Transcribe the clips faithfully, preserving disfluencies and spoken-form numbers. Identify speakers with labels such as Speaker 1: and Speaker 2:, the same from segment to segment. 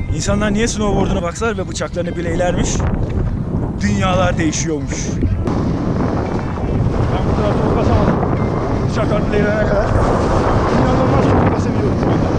Speaker 1: İnsanlar niye snowboard'una baksalar ve bıçaklarını bileylermiş. Dünyalar değişiyormuş. Ben bu tarafta ok basamadım. Bıçaklar bileylerine kadar. İnanılmaz çok basabiliyorum şu anda.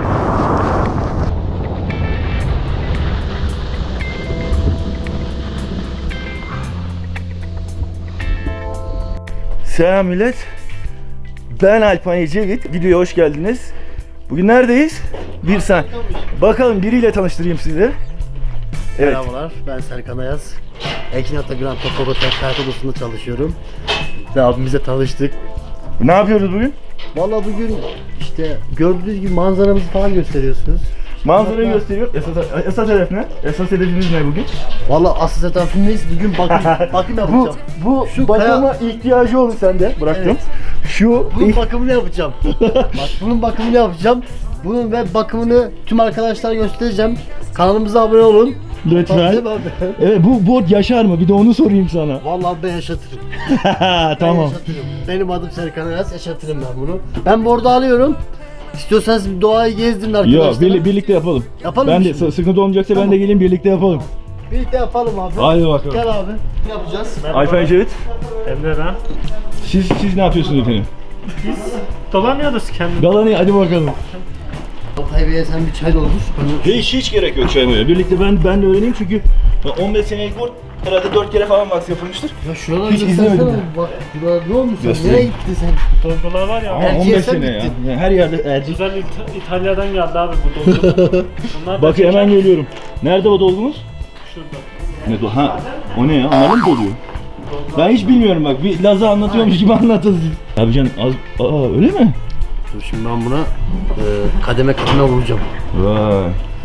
Speaker 1: Selam millet. Ben Alpan Ecevit. Videoya hoş geldiniz. Bugün neredeyiz? Bir sen. Bakalım biriyle tanıştırayım sizi. Evet.
Speaker 2: Merhabalar, ben Serkan Ayaz. Ekin Ata Grand Top Otel Kayıt Odası'nda çalışıyorum. Ve abimizle tanıştık.
Speaker 1: Ne yapıyoruz bugün?
Speaker 2: Vallahi bugün işte gördüğünüz gibi manzaramızı falan gösteriyorsunuz.
Speaker 1: Manzarayı gösteriyor. Esas, esas hedef ne? Esas hedefimiz ne bugün?
Speaker 2: Vallahi asıl hedefimiz bugün bakım, bakım
Speaker 1: Bu,
Speaker 2: yapacağım.
Speaker 1: bu
Speaker 2: Şu
Speaker 1: bakıma
Speaker 2: kaya-
Speaker 1: ihtiyacı olur sende. Bıraktım.
Speaker 2: Evet.
Speaker 1: Şu
Speaker 2: Bunun bakımını yapacağım. Bak bunun bakımını yapacağım. Bunun ve bakımını tüm arkadaşlara göstereceğim. Kanalımıza abone olun.
Speaker 1: lütfen.
Speaker 2: Değil mi abi?
Speaker 1: Evet, bu bot yaşar mı? Bir de onu sorayım sana.
Speaker 2: Vallahi ben yaşatırım. Ben
Speaker 1: Tamam.
Speaker 2: yaşatırım. Benim adım Serkan Ayaz, yaşatırım ben bunu. Ben bu arada alıyorum. İstiyorsanız bir doğayı gezdirin arkadaşlar.
Speaker 1: Yok, bir, birlikte yapalım.
Speaker 2: Yapalım
Speaker 1: Ben
Speaker 2: mı
Speaker 1: de
Speaker 2: şimdi?
Speaker 1: sıkıntı olmayacaksa
Speaker 2: Tamam.
Speaker 1: ben de geleyim birlikte yapalım.
Speaker 2: Birlikte yapalım abi.
Speaker 1: Hadi bakalım.
Speaker 2: Gel abi. Ne yapacağız?
Speaker 1: Alpan Ecevit.
Speaker 3: Emre ben.
Speaker 1: Siz siz ne yapıyorsunuz efendim?
Speaker 3: Biz dolanıyoruz kendimiz.
Speaker 1: Galanı hadi bakalım.
Speaker 2: Altay Bey'e sen bir çay doldur.
Speaker 1: Hiç hiç gerek yok çaymaya. Birlikte ben ben de öğreneyim çünkü on beş senelik board herhalde dört kere falan wax yapılmıştır.
Speaker 2: Ya şuraları
Speaker 1: Hiç
Speaker 2: göstersene.
Speaker 1: izlemedim
Speaker 2: Bak buralar ne olmuş sen?
Speaker 1: Göstereyim.
Speaker 2: Nereye gittin sen?
Speaker 3: Dolgular var ya.
Speaker 1: Ama
Speaker 2: Erkeğe
Speaker 1: on beş
Speaker 2: sen
Speaker 1: sene ya.
Speaker 2: gittin.
Speaker 1: Yani her yerde ercik.
Speaker 3: Güzel İta- İtalya'dan geldi abi bu dolgu. Bunlar da
Speaker 1: Bak
Speaker 3: çeker.
Speaker 1: hemen geliyorum. Nerede o dolgumuz?
Speaker 3: Şurada.
Speaker 1: Ne do? Ha. O ne ya? Onların mı doluyor? Ben hiç bilmiyorum bak. Bir Laz'a anlatıyormuş gibi anlatın siz. Abi can az... Aa öyle mi?
Speaker 2: Dur şimdi ben buna e, kademe kademe vuracağım.
Speaker 1: Vay.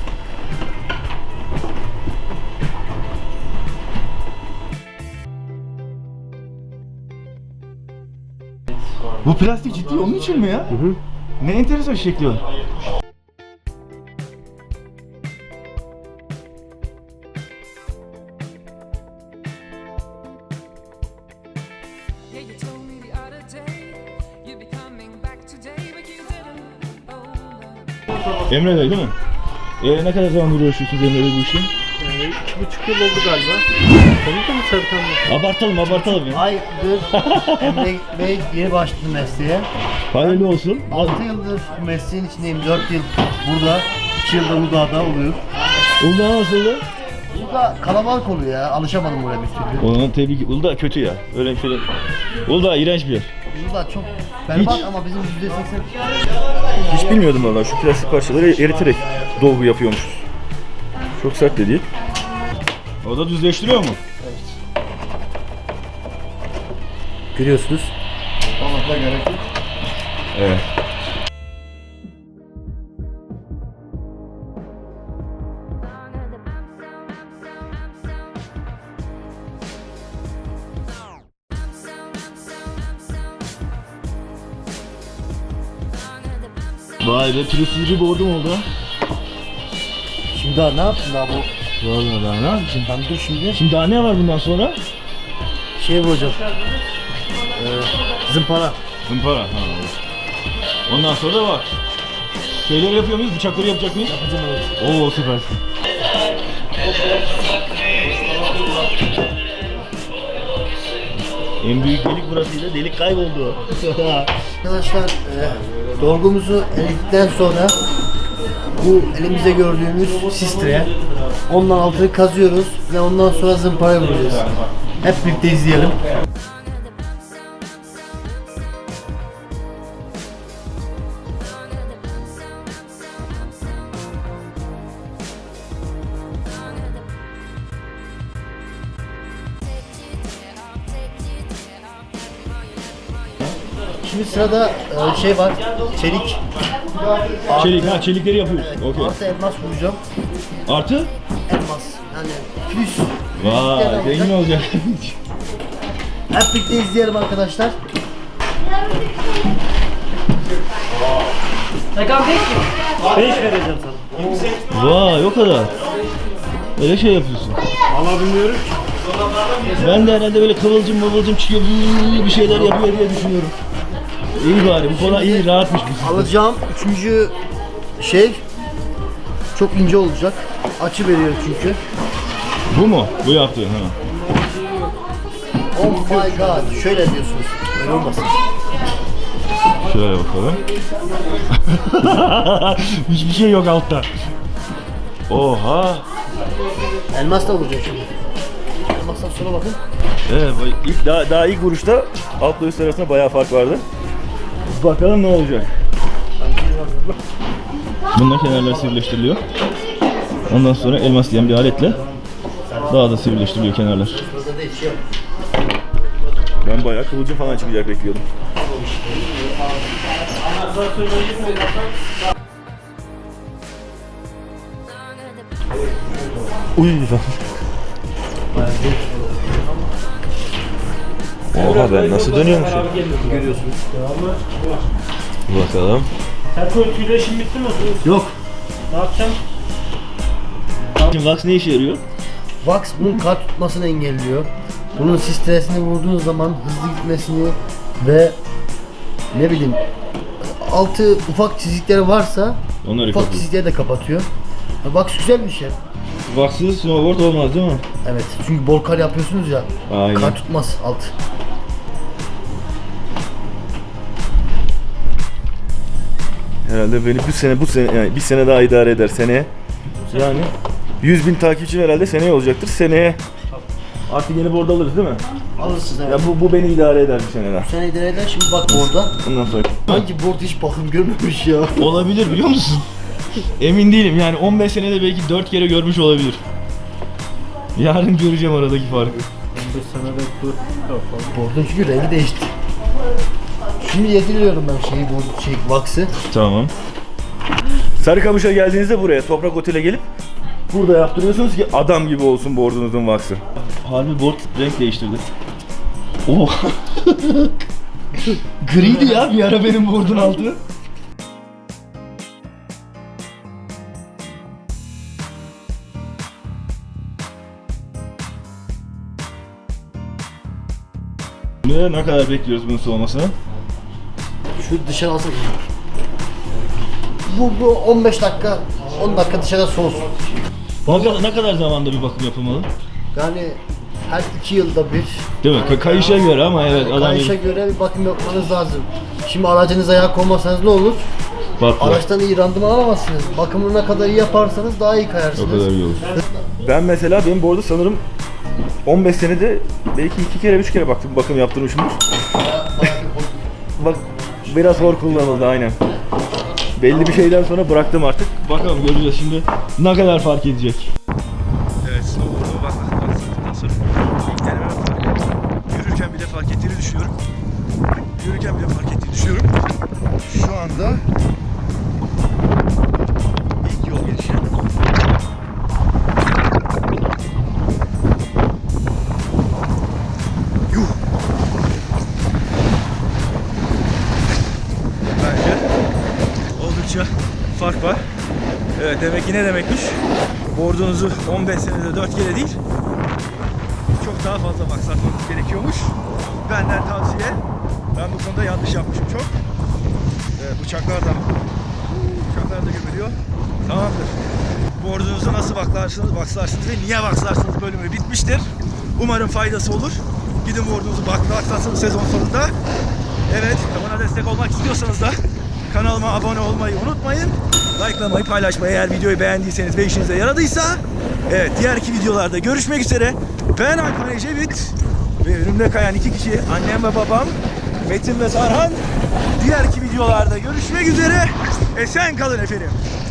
Speaker 1: Bu plastik ciddi onun için mi ya?
Speaker 2: Hı hı.
Speaker 1: Ne enteresan şekli var.
Speaker 4: Yeah, you told me the other day you'd be coming back today, but you didn't. Oh, no.
Speaker 1: Emre Bey değil mi? Ee, ne kadar zamandır uğraşıyorsunuz Emre Bey bu işle?
Speaker 3: Yani iki buçuk yıl oldu galiba. Tanıdın mı Serkan Bey?
Speaker 1: Abartalım abartalım ya.
Speaker 2: Aydır Emre Bey yeni başladı mesleğe.
Speaker 1: Hayırlı olsun.
Speaker 2: altı yıldır bu mesleğin içindeyim. dört yıl burada. iki yılda Uludağ'da oluyor.
Speaker 1: Uludağ nasıldı?
Speaker 2: Uludağ kalabalık oluyor ya. Alışamadım buraya bir türlü.
Speaker 1: Ona tebrik. Uludağ kötü ya. Öyle şöyle. Uludağ iğrenç bir yer.
Speaker 2: Uludağ çok berbat
Speaker 1: Hiç.
Speaker 2: ama bizim yüzde seksen
Speaker 1: Hiç bilmiyordum vallahi şu plastik parçaları eriterek dolgu yapıyormuşuz. Çok sert de değil. O da düzleştiriyor mu?
Speaker 2: görüyorsunuz. Olmakla gerek yok.
Speaker 1: Evet. Vay be pürüzsüz bir boardum oldu ha.
Speaker 2: Şimdi daha ne yaptın daha bu?
Speaker 1: Vallahi daha ne yapacağım?
Speaker 2: Ben dur şimdi.
Speaker 1: Şimdi daha ne var bundan sonra?
Speaker 2: Şey vuracağım. Ee, zımpara.
Speaker 1: Zımpara. Ha. Ondan sonra da var. Şeyleri yapıyor muyuz? Bıçakları yapacak mıyız?
Speaker 2: Yapacağım evet.
Speaker 1: Oo süper. En büyük delik burasıydı. Delik kayboldu.
Speaker 2: Arkadaşlar e, dolgumuzu eledikten sonra bu elimizde gördüğümüz sistre ondan altını kazıyoruz ve ondan sonra zımparaya vuracağız. Hep birlikte izleyelim. Şimdi sırada e, şey var, çelik.
Speaker 1: Çelik ha çelikleri yapıyoruz.
Speaker 2: Evet,
Speaker 1: Okey.
Speaker 2: artı elmas vuracağım.
Speaker 1: Artı?
Speaker 2: Elmas, yani plus.
Speaker 1: Vay zengin olacak.
Speaker 2: Hep birlikte izleyelim arkadaşlar.
Speaker 3: beş vereceğim sana.
Speaker 1: Vay o kadar. Öyle şey yapıyorsun.
Speaker 3: Valla bilmiyorum.
Speaker 1: Ben de herhalde böyle kıvılcım mıvılcım çıkıyor bir şeyler yapıyor diye düşünüyorum. İyi bari bu kola iyi rahatmış bu.
Speaker 2: Alacağım üçüncü şey Çok ince olacak. Açı veriyor çünkü.
Speaker 1: Bu mu? Bu yaptığın ha.
Speaker 2: Oh my god. Şöyle diyorsunuz. Öyle olmasın.
Speaker 1: Şöyle bakalım. Hiçbir şey yok altta. Oha.
Speaker 2: Elmas da vuracak şimdi. Elmastan sonra bakın.
Speaker 1: Evet, bak- ilk daha, daha ilk vuruşta altla üst arasında bayağı fark vardı. Bakalım ne olacak. Bununla kenarlar sivrileştiriliyor. Ondan sonra elmas diyen bir aletle daha da sivrileştiriliyor kenarlar.
Speaker 2: Burada değişiyor.
Speaker 1: Ben bayağı kıvılcım falan çıkacak bekliyordum. Uy lan. Oha ben nasıl dönüyormuşum?
Speaker 2: Görüyorsunuz.
Speaker 1: Bakalım.
Speaker 3: Terkol tüyde işin bitti mi?
Speaker 2: Yok.
Speaker 3: Ne yapacağım?
Speaker 1: Şimdi wax ne işe yarıyor?
Speaker 2: Wax bunun kar tutmasını engelliyor. Bunun stresini vurduğunuz zaman hızlı gitmesini ve ne bileyim altı ufak çizikleri varsa
Speaker 1: Onları
Speaker 2: ufak
Speaker 1: kapatıyor.
Speaker 2: çizikleri de kapatıyor. Ha, Wax güzel bir şey.
Speaker 1: Waxsız snowboard olmaz değil mi?
Speaker 2: Evet çünkü bol kar yapıyorsunuz ya.
Speaker 1: Aynen.
Speaker 2: Kar tutmaz alt.
Speaker 1: Herhalde beni bu sene bu sene yani bir sene daha idare eder seneye. Yani yüz bin takipçi herhalde seneye olacaktır. Seneye artık yeni board alırız değil mi?
Speaker 2: Alırsınız evet.
Speaker 1: Ya bu bu beni idare eder bir sene daha.
Speaker 2: Bu sene idare eder şimdi bak orada.
Speaker 1: Ondan sonra.
Speaker 2: Hangi board hiç bakım görmemiş ya.
Speaker 1: Olabilir biliyor musun? Emin değilim yani on beş senede belki dört kere görmüş olabilir. Yarın göreceğim aradaki farkı.
Speaker 3: on beş senede bu kapalı.
Speaker 2: Board'un çünkü rengi değişti. Şimdi yediriyorum ben şeyi board şey wax'ı.
Speaker 1: Tamam. Sarıkamış'a geldiğinizde buraya Toprak Otel'e gelip burada yaptırıyorsunuz ki adam gibi olsun board'unuzun wax'ı. Harbi board renk değiştirdi. Oh. Griydi ya bir ara benim board'un altı. Ne, ne kadar bekliyoruz bunun soğumasını?
Speaker 2: Şu dışarı alsın. Bu, bu on beş dakika, on dakika dışarıda soğusun.
Speaker 1: Bakalım ne kadar zamanda bir bakım yapılmalı?
Speaker 2: Yani her iki yılda bir.
Speaker 1: Değil mi? Ka- kayışa göre ama evet adam
Speaker 2: Kayışa göre bir bakım yapmanız lazım. Şimdi aracınıza yağ koymasanız ne olur?
Speaker 1: patlar.
Speaker 2: Araçtan iyi randıman alamazsınız. Bakımını ne kadar iyi yaparsanız daha iyi kayarsınız.
Speaker 1: O kadar iyi olur. Ben mesela benim bu arada sanırım on beş senede belki iki kere üç kere baktım bakım yaptırmışımdır. Bak biraz hor kullanıldı aynen. Belli bir şeyden sonra bıraktım artık. Bakalım göreceğiz şimdi ne kadar fark edecek. Evet snowboard'a baktıktan sonra ilk denemem fark etti. Yürürken bile fark ettiğini düşünüyorum. Yürürken bile fark ettiğini düşünüyorum. Şu anda ilk yol gelişi. Yuh! Bence oldukça fark var. Evet demek ki ne demekmiş? Board'unuzu on beş senede dört kere değil çok daha fazla maksatmanız gerekiyormuş. Benden tavsiye. Ben bu konuda yanlış yapmışım çok. Evet, bıçaklar da bıçaklar da gömülüyor. Tamamdır. Board'unuzu nasıl baklarsınız, baksarsınız ve niye baksarsınız bölümü bitmiştir. Umarım faydası olur. Gidin board'unuzu baklarsınız sezon sonunda. Evet, bana destek olmak istiyorsanız da kanalıma abone olmayı unutmayın. Like'lamayı, paylaşmayı eğer videoyu beğendiyseniz ve işinize yaradıysa. Evet, diğer iki videolarda görüşmek üzere. Ben Alpan Ecevit ve önümde kayan iki kişi annem ve babam Metin ve Sarhan. Diğer iki videolarda görüşmek üzere. Esen kalın efendim.